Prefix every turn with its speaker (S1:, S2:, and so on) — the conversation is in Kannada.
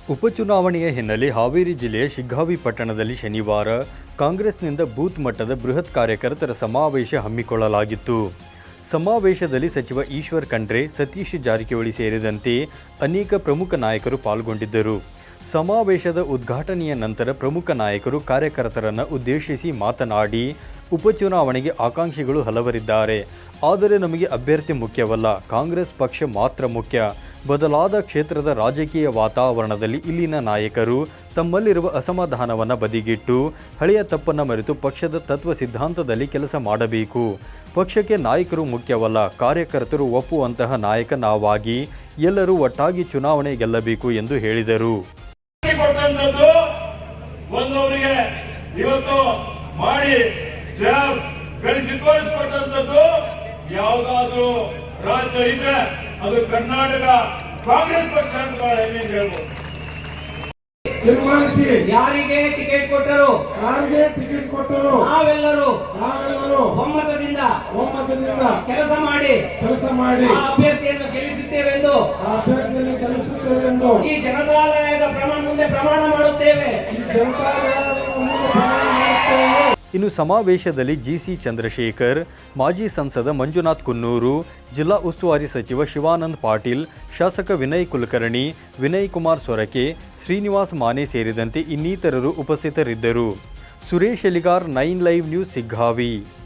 S1: ಉಪಚುನಾವಣೆಯ ಹಿನ್ನೆಲೆ ಹಾವೇರಿ ಜಿಲ್ಲೆಯ ಶಿಗ್ಗಾವಿ ಪಟ್ಟಣದಲ್ಲಿ ಶನಿವಾರ ಕಾಂಗ್ರೆಸ್ನಿಂದ ಬೂತ್ ಮಟ್ಟದ ಬೃಹತ್ ಕಾರ್ಯಕರ್ತರ ಸಮಾವೇಶ ಹಮ್ಮಿಕೊಳ್ಳಲಾಗಿತ್ತು. ಸಮಾವೇಶದಲ್ಲಿ ಸಚಿವ ಈಶ್ವರ್ ಖಂಡ್ರೆ, ಸತೀಶ್ ಜಾರಕಿಹೊಳಿ ಸೇರಿದಂತೆ ಅನೇಕ ಪ್ರಮುಖ ನಾಯಕರು ಪಾಲ್ಗೊಂಡಿದ್ದರು. ಸಮಾವೇಶದ ಉದ್ಘಾಟನೆಯ ನಂತರ ಪ್ರಮುಖ ನಾಯಕರು ಕಾರ್ಯಕರ್ತರನ್ನು ಉದ್ದೇಶಿಸಿ ಮಾತನಾಡಿ, ಉಪಚುನಾವಣೆಗೆ ಆಕಾಂಕ್ಷಿಗಳು ಹಲವರಿದ್ದಾರೆ. ಆದರೆ ನಮಗೆ ಅಭ್ಯರ್ಥಿ ಮುಖ್ಯವಲ್ಲ, ಕಾಂಗ್ರೆಸ್ ಪಕ್ಷ ಮಾತ್ರ ಮುಖ್ಯ. ಬದಲಾದ ಕ್ಷೇತ್ರದ ರಾಜಕೀಯ ವಾತಾವರಣದಲ್ಲಿ ಇಲ್ಲಿನ ನಾಯಕರು ತಮ್ಮಲ್ಲಿರುವ ಅಸಮಾಧಾನವನ್ನು ಬದಿಗಿಟ್ಟು ಹಳೆಯ ತಪ್ಪನ್ನು ಮರೆತು ಪಕ್ಷದ ತತ್ವ ಸಿದ್ಧಾಂತದಲ್ಲಿ ಕೆಲಸ ಮಾಡಬೇಕು. ಪಕ್ಷಕ್ಕೆ ನಾಯಕರು ಮುಖ್ಯವಲ್ಲ, ಕಾರ್ಯಕರ್ತರು ಒಪ್ಪುವಂತಹ ನಾಯಕ ನಾವಾಗಿ ಎಲ್ಲರೂ ಒಟ್ಟಾಗಿ ಚುನಾವಣೆ ಗೆಲ್ಲಬೇಕು ಎಂದು ಹೇಳಿದರು.
S2: ಯಾವುದಾದ್ರೂ ರಾಜ್ಯ ಇದ್ರೆ ಅದು ಕರ್ನಾಟಕ ಕಾಂಗ್ರೆಸ್ ಪಕ್ಷ ಅಂತ ಹೇಳ್ಬೋದು.
S3: ನಿರ್ಮಾಣಿಸಿ ಯಾರಿಗೆ ಟಿಕೆಟ್ ಕೊಟ್ಟರು ನಾವೆಲ್ಲರೂ ಒಮ್ಮತದಿಂದ ಕೆಲಸ ಮಾಡಿ ಅಭ್ಯರ್ಥಿಯನ್ನು ಗೆಲ್ಲಿಸುತ್ತೇವೆ ಎಂದು ಈ ಜನತಾಲಯದ ಮುಂದೆ ಪ್ರಮಾಣ ಮಾಡುತ್ತೇವೆ.
S1: ಇನ್ನು ಸಮಾವೇಶದಲ್ಲಿ ಜಿಸಿ ಚಂದ್ರಶೇಖರ್, ಮಾಜಿ ಸಂಸದ ಮಂಜುನಾಥ್ ಕುನ್ನೂರು, ಜಿಲ್ಲಾ ಉಸ್ತುವಾರಿ ಸಚಿವ ಶಿವಾನಂದ ಪಾಟೀಲ್, ಶಾಸಕ ವಿನಯ್ ಕುಲಕರ್ಣಿ, ವಿನಯ್ ಕುಮಾರ್ ಸೊರಕೆ, ಶ್ರೀನಿವಾಸ್ ಮಾನೆ ಸೇರಿದಂತೆ ಇನ್ನಿತರರು ಉಪಸ್ಥಿತರಿದ್ದರು. Suresh Eligar, 9 live news, Shiggavi.